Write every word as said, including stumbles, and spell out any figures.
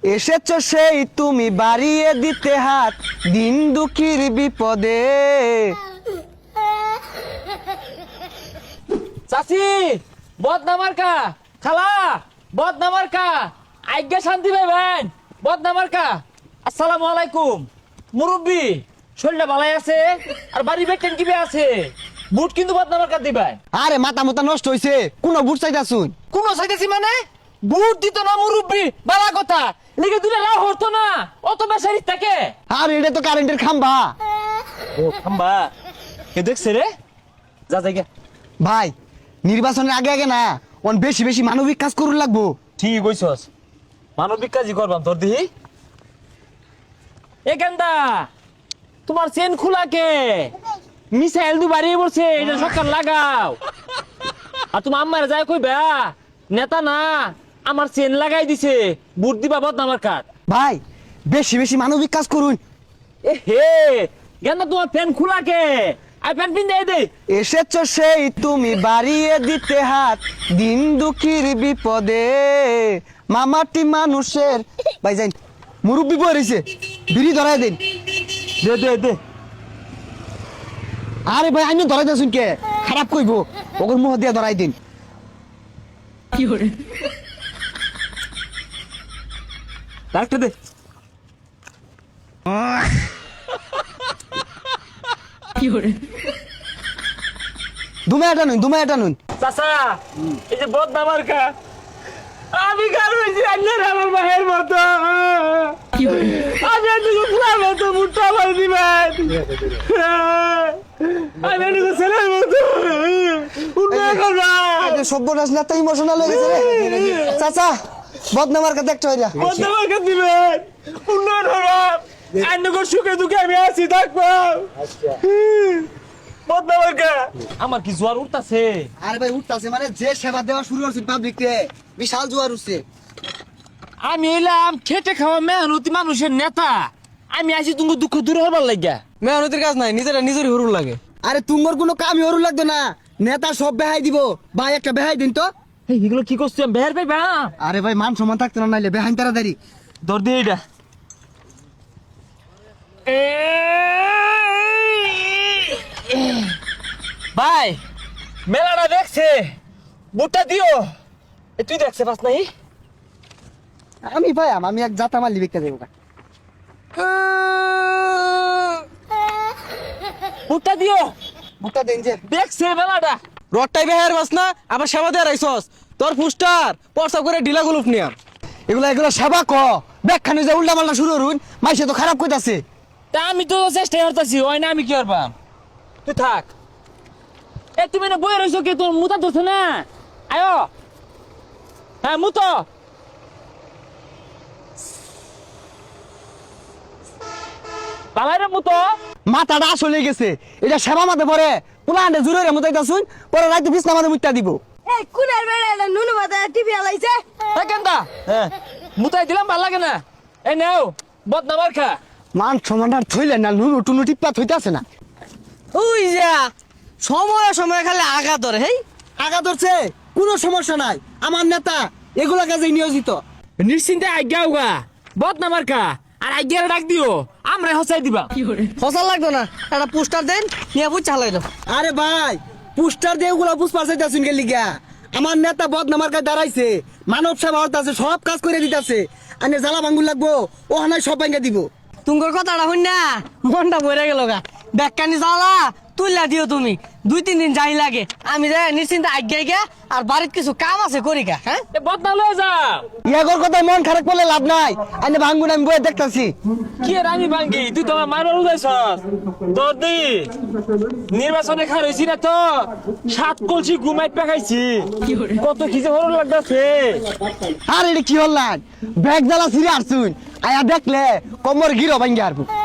এসেছো সেই তুমি বাড়িয়ে দিতে হাত দিন দুঃখীর বিপদে। চাচি বদনামার কা খালা বদনামার কা আজ্ঞা শান্তি পাইবেন বদনামার কা। আসসালামু আলাইকুম মুরব্বি, শরীরটা ভালাই আছে আর বাড়ি বেটেন কিবে আছে? বুট কিন্তু বদনামার কা দিবেন। আরে মাথা মাথা নষ্ট হইছে, কোন বুট চাইতাছুন? কোন চাইতেছি মানে বুট দিত না মুরব্বি, বালা কথা লিখে দিলে লাভ হতো না, অত বেসারি থাকে। আর এটা তো কারেন্টের খাম্বা। ও খাম্বা কে দেখছে রে? যা জায়গা ভাই নির্বাচনের আগে আগে না অন বেশি বেশি মানবিক কাজ করুন লাগবো। ঠিক কইছস, মানবিক কাজই করবাম তোর দিহি। এ কেন্দা তোমার চেন খোলা কে? মিসাইল দু বাড়িয়ে পড়ছে, এটা সরকার লাগাও। আর তুমি আম্মারে যায় কইবা নেতা না আমার চেন লাগাই দিছে, বুট দিবা বদনামার কাট। ভাই বেশি বেশি মানবিক কাজ করুন। এ হে কেন্দা তোমার প্যান খোলা কে? আই প্যান পিন দে। এসেছো সেই তুমি বাড়িয়ে দিতে হাত দিন দুঃখীর বিপদে। মামাটি মানুষের ভাই যাই মুরব্বি বই রয়েছে, বিড়ি ধরাই দিন। দে দে দে আরে ভাই আমি ধরাই দিয়েছুন কে? খারাপ কইবো, ওগর মুহ দিয়ে ধরাই দিন। কি করে ডাক্তার দে। কি করে দুমে এটা নুন, দুমে এটা নুন। চাচা এই যে বদনামার কা আমি কার হইছি আন্নার আমার মায়ের মতো। কি করে আমি এদিকে ফুলার মতো মুট্টা মার দিবেন, আমি এদিকে ছেলের মতো উন্নয়ন করবা। সভ্যনাশ না তো ইমোশনাল হয়ে গেছে রে চাচা। বদনামার কাছে একটা হইরা বদনামার কা দিবেন, উন্নয়ন করবা। আন্নগো সুখে দুঃখে আমি আছি থাকবো। বদনামার কা আমার কি জোয়ার উঠতাছে? আরে ভাই উঠতাছে মানে যে সেবা দেওয়া শুরু করছে পাবলিক কে, বিশাল জোয়ার উঠছে। আমি এলাম খেটে খাওয়া মেহনতি মানুষের নেতা, আমি আছি তুমি দুঃখ দূর হবার লাগিয়া। মেহনতির কাজ নাই, নিজেরা নিজেরই হরুর লাগে। আরে তুঙ্গর কোনো কামই হরু লাগতো না, নেতা সব বেহাই দিব। ভাই একটা বেহাই দিন তো। এই এগুলো কি করছি আমি বের পাইবা? আরে ভাই মান সম্মান থাকতো না, নাইলে বেহাইন তাড়াতাড়ি ধর দিয়ে এটা। ভাই মেলাটা দেখছে, বুটটা দিও। এ তুই দেখছে পাস নাই? আমি ভাই আমি এক জাতা মালি বিক্রি দেবো। বুটটা দিও, বুকটা দেন যে দেখছে মেলাটা। রডটাই বেহার বাস না, আবার সেবা দিয়ে রাইছস। তোর পুস্টার পরসা করে ঢিলা গুলুপ নিয়া। এগুলা এগুলা সেবা ক ব্যাখ্যানে যে উল্টা মাল্টা শুরু হরুন, মাইসে তো খারাপ কইতাছে। তা আমি তো চেষ্টা করতেছি, ওই না আমি কি করবাম? তুই থাক। এ তুমি না বই রইছো কে? তোর মুতা ধরছে না? আয়ো হ্যাঁ মুতো। বাবাইরে মুতো। মাথাটা আসলে গেছে, এটা সেবা মাঝে পরে পুরা আন্ডে জুড়ে রে মুতাইতাছুন, পরে রাইতে বিছনা মাঝে মুত্তা দিব। এই কুনার বেড়া নুনু বাদা টিভি আলাইছে। এ কেন্দা হ্যাঁ মুতাই দিলাম ভাল লাগে না। এই নাও বদনামার খা। মান সমানার থইলে না নুনু টুনু টিপ্পা থইতাছে না। ওই যা সময় সময় খালি আগা ধরে। হেই আগা ধরছে কোনো সমস্যা নাই, আমার নেতা এগুলা কাজে নিয়োজিত। নিশ্চিন্তে আজ্ঞা উগা বদনামার খা আর আজ্ঞারে ডাক দিও, আমরা হসাই দিবা। ফসল লাগতো না, একটা পুস্টার দেন নিয়ে বুঝ চালাই দাও। আরে ভাই পুস্টার দিয়ে ওগুলা পুষ্পা চাইতাছুন কে লিগা? আমার নেতা বদনামার কাছে দাঁড়াইছে, মানব সেবা হতাছে, সব কাজ করে দিতাছে। আনে জ্বালা ভাঙ্গুর লাগবো, ও হানায় সব ভাঙ্গা দিব। তুঙ্গর কথাটা শুন না মনটা বইরা গেল গা। ব্যাগকানি চালা তুললা দিও তুমি, দুই তিন দিন যাই লাগে। আমি যাই নিশ্চিন্তে আজ্ঞাই গা, আর বাড়ির কিছু কাম আছে করি গা। হ্যাঁ এ বদনা লয়ে যাও। ইয়াগর কথায় মন খারাপ করলে লাভ নাই, আনে ভাঙ্গুন আমি বয়ে দেখতাছি। কি আর আমি ভাঙ্গি, তুই তোমার মারবার উদাইছস। তোর দি নির্বাচনে খাই রইছি না তো, সাত কলসি ঘুমাই পাকাইছি। কত খিজে হরণ লাগতাছে। আর এটা কি হল্লান ব্যাগ জ্বালা ছিঁড়ে আসছুন, আয়া দেখলে কমর গিরো ভাঙ্গে আরবো।